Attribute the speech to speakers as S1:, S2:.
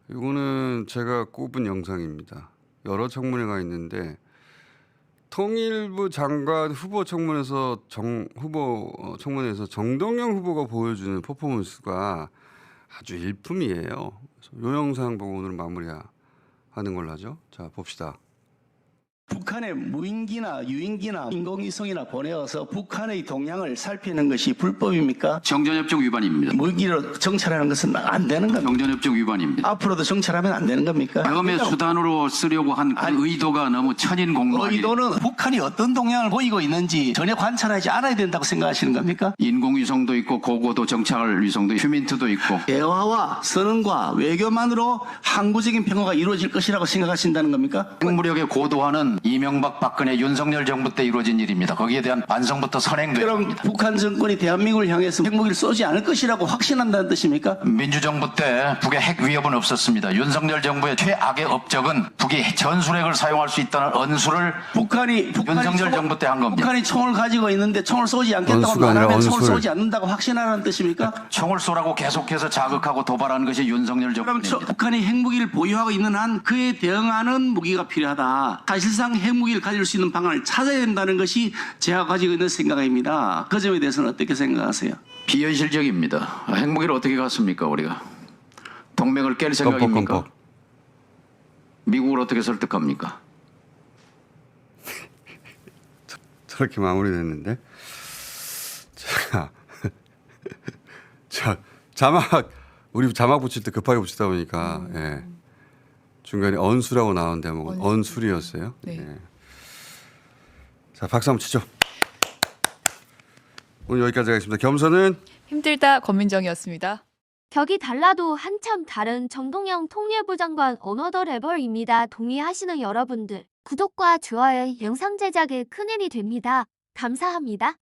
S1: 이거는 제가 꼽은 영상입니다. 여러 청문회가 있는데 통일부 장관 후보 청문회에서 정동영 후보가 보여주는 퍼포먼스가 아주 일품이에요. 그래서 이 영상 보고 오늘 마무리하는 걸로 하죠. 자, 봅시다.
S2: 북한에 무인기나 유인기나 인공위성이나 보내어서 북한의 동향을 살피는 것이 불법입니까?
S3: 정전협정 위반입니다.
S2: 무인기로 정찰하는 것은 안 되는 겁니까?
S3: 정전협정 위반입니다.
S2: 앞으로도 정찰하면 안 되는 겁니까?
S3: 다음에 수단으로 쓰려고 한 그 의도가 너무 천인공노.
S2: 의도는 북한이 어떤 동향을 보이고 있는지 전혀 관찰하지 않아야 된다고 생각하시는 겁니까?
S3: 인공위성도 있고 고고도 정찰 위성도 있고 휴민트도 있고.
S2: 대화와 선언과 외교만으로 항구적인 평화가 이루어질 것이라고 생각하신다는 겁니까?
S3: 핵무력의 고도화는 이명박 박근혜 윤석열 정부 때 이루어진 일입니다. 거기에 대한 반성부터 선행돼야
S2: 그럼
S3: 합니다.
S2: 북한 정권이 대한민국을 향해서 핵무기를 쏘지 않을 것이라고 확신한다는 뜻입니까?
S3: 민주정부 때 북의 핵 위협은 없었습니다. 윤석열 정부의 최악의 업적은 북이 전술핵을 사용할 수 있다는 언수를
S2: 북한이
S3: 윤석열 정부 때 한 겁니다.
S2: 북한이 총을 가지고 있는데 총을 쏘지 않겠다고
S1: 언수가 아니라
S2: 말하면 총을
S1: 언술.
S2: 쏘지 않는다고 확신하라는 뜻입니까?
S3: 총을 쏘라고 계속해서 자극하고 도발하는 것이 윤석열
S2: 그럼
S3: 정부입니다.
S2: 북한이 핵무기를 보유하고 있는 한 그에 대응하는 무기가 필요하다. 사실상 핵무기를 가질 수 있는 방안을 찾아야 된다는 것이 제가 가지고 있는 생각입니다. 그 점에 대해서는 어떻게 생각하세요?
S3: 비현실적입니다. 핵무기를 어떻게 갖습니까 우리가? 동맹을 깰 생각입니까?
S1: 껌뻑.
S3: 미국을 어떻게 설득합니까?
S1: 저렇게 마무리됐는데. 자, 우리 자막 붙일 때 급하게 붙이다 보니까 예. 중간에 언수라고 나온 대목은 언술이었어요.
S4: 네.
S1: 예. 자, 박수 한번 치죠. 오늘 여기까지 하겠습니다. 겸손은
S4: 힘들다 권민정이었습니다.
S5: 격이 달라도 한참 다른 정동영 통일부 장관 어너더 레벨입니다. 동의하시는 여러분들, 구독과 좋아요 영상 제작에 큰 힘이 됩니다. 감사합니다.